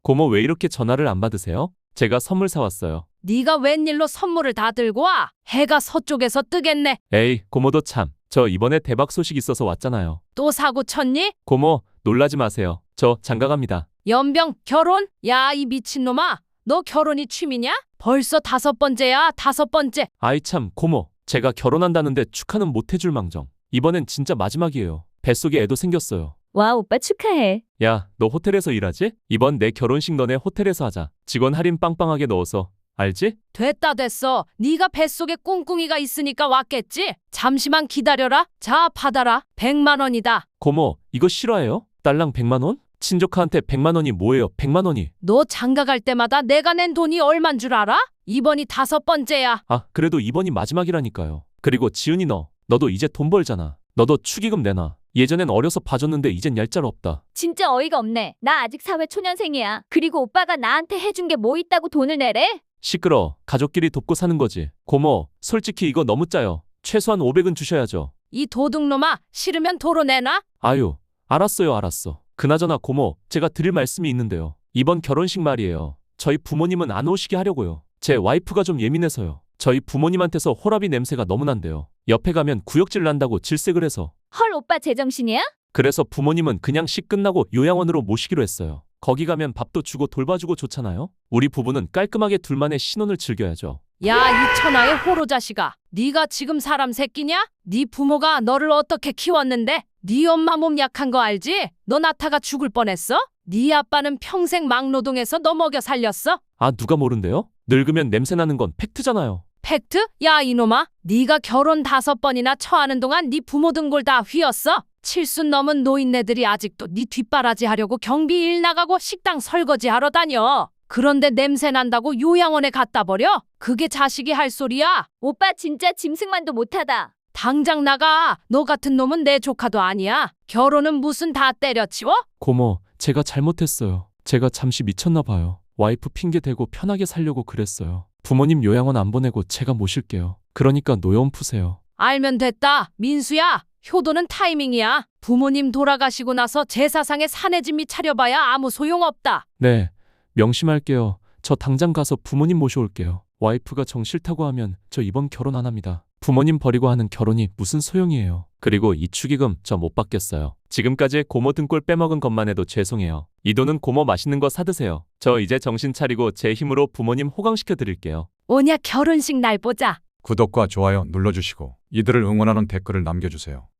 고모 왜 이렇게 전화를 안 받으세요? 제가 선물 사왔어요. 네가 웬일로 선물을 다 들고 와? 해가 서쪽에서 뜨겠네. 에이, 고모도 참. 저 이번에 대박 소식 있어서 왔잖아요. 또 사고 쳤니? 고모, 놀라지 마세요. 저 장가갑니다. 연병 결혼? 야, 이 미친놈아. 너 결혼이 취미냐? 벌써 5번째야, 5번째. 아이 참, 고모. 제가 결혼한다는데 축하는 못 해줄 망정. 이번엔 진짜 마지막이에요. 뱃속에 애도 생겼어요. 와, 오빠 축하해. 야, 너 호텔에서 일하지? 이번 내 결혼식 너네 호텔에서 하자. 직원 할인 빵빵하게 넣어서. 알지? 됐다 됐어. 네가 뱃속에 꿍꿍이가 있으니까 왔겠지? 잠시만 기다려라. 자, 받아라. 100만 원이다. 고모, 이거 실화예요? 딸랑 100만 원? 친조카한테 100만 원이 뭐예요? 100만 원이. 너 장가 갈 때마다 내가 낸 돈이 얼만 줄 알아? 이번이 5번째야. 아, 그래도 이번이 마지막이라니까요. 그리고 지은이 너도 이제 돈 벌잖아. 너도 축의금 내놔. 예전엔 어려서 봐줬는데 이젠 얄짤 없다. 진짜 어이가 없네. 나 아직 사회 초년생이야. 그리고 오빠가 나한테 해준 게 뭐 있다고 돈을 내래? 시끄러. 가족끼리 돕고 사는 거지. 고모, 솔직히 이거 너무 짜요. 최소한 500은 주셔야죠. 이 도둑놈아, 싫으면 도로 내놔. 아유, 알았어요, 알았어. 그나저나 고모, 제가 드릴 말씀이 있는데요. 이번 결혼식 말이에요. 저희 부모님은 안 오시게 하려고요. 제 와이프가 좀 예민해서요. 저희 부모님한테서 호라비 냄새가 너무 난대요. 옆에 가면 구역질 난다고 질색을 해서. 헐, 오빠 제정신이야? 그래서 부모님은 그냥 식 끝나고 요양원으로 모시기로 했어요. 거기 가면 밥도 주고 돌봐주고 좋잖아요. 우리 부부는 깔끔하게 둘만의 신혼을 즐겨야죠. 야, 이 천하의 호로 자식아. 네가 지금 사람 새끼냐? 네 부모가 너를 어떻게 키웠는데? 네 엄마 몸 약한 거 알지? 너 낳다가 죽을 뻔했어? 네 아빠는 평생 막노동해서 너 먹여 살렸어? 아, 누가 모른대요? 늙으면 냄새 나는 건 팩트잖아요. 팩트? 야, 이놈아. 네가 결혼 5번이나 처하는 동안 네 부모 등골 다 휘었어. 70 넘은 노인네들이 아직도 네 뒷바라지 하려고 경비 일 나가고 식당 설거지 하러 다녀. 그런데 냄새 난다고 요양원에 갖다 버려? 그게 자식이 할 소리야? 오빠 진짜 짐승만도 못하다. 당장 나가. 너 같은 놈은 내 조카도 아니야. 결혼은 무슨 다 때려치워? 고모, 제가 잘못했어요. 제가 잠시 미쳤나 봐요. 와이프 핑계 대고 편하게 살려고 그랬어요. 부모님 요양원 안 보내고 제가 모실게요. 그러니까 노여움 푸세요. 알면 됐다. 민수야. 효도는 타이밍이야. 부모님 돌아가시고 나서 제사상에 사내짐이 차려봐야 아무 소용없다. 네, 명심할게요. 저 당장 가서 부모님 모셔올게요. 와이프가 정 싫다고 하면 저 이번 결혼 안 합니다. 부모님 버리고 하는 결혼이 무슨 소용이에요. 그리고 이 축의금 저 못 받겠어요. 지금까지 고모 등골 빼먹은 것만 해도 죄송해요. 이 돈은 고모 맛있는 거 사드세요. 저 이제 정신 차리고 제 힘으로 부모님 호강시켜 드릴게요. 오냐 결혼식 날 보자. 구독과 좋아요 눌러주시고 이들을 응원하는 댓글을 남겨주세요.